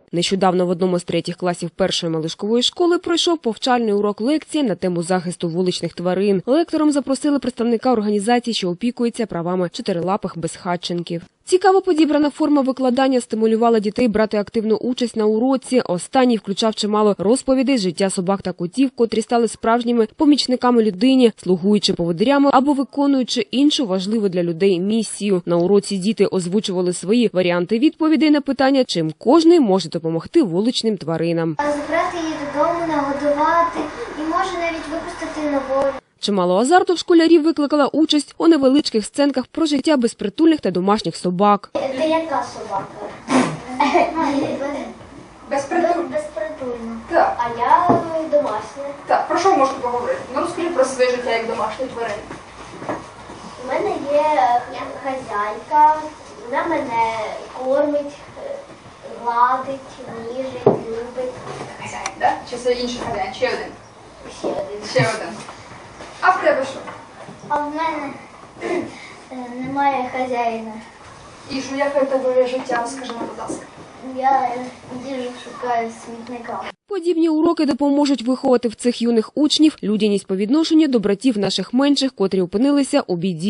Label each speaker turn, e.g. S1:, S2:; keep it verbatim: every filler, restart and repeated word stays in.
S1: Нещодавно в одному з третіх класів першої малишкової школи пройшов повчальний урок лекції на тему захисту вуличних тварин. Лектором запросили представника організації, що опікується правами чотирилапих безхатченків. Цікаво підібрана форма викладання стимулювала дітей брати активну участь на уроці. Останній включав чимало розповідей з життя собак та котів, котрі стали справжніми помічниками людині, слугуючи поводирями або виконуючи іншу важливу для людей місію. На уроці діти озвучували свої варіанти відповідей на питання, чим кожний може допомогти вуличним тваринам.
S2: Забрати її додому, нагодувати і може навіть випустити на волю.
S1: Чимало азарту в школярів викликала участь у невеличких сценках про життя безпритульних та домашніх собак.
S2: Це яка собака?
S3: Безпритульна.
S2: Безпритульна.
S3: Так.
S2: А я домашня.
S3: Так, про що можете поговорити? Ну розкажи про своє життя як домашньої тварини.
S2: У мене є хазяйка, вона мене кормить, гладить, ніжить, любить.
S3: Хазяїн, так? Чи це інший хазяїн? Ще один?
S2: Ще один.
S3: Ще один. А в тебе що?
S2: А в мене немає хазяїна.
S3: І що, яке в тебе життя? Розкажи нам, будь ласка.
S2: Я їжу шукаю смітника.
S1: Подібні уроки допоможуть виховати в цих юних учнів людяність по відношенню до братів наших менших, котрі опинилися у біді.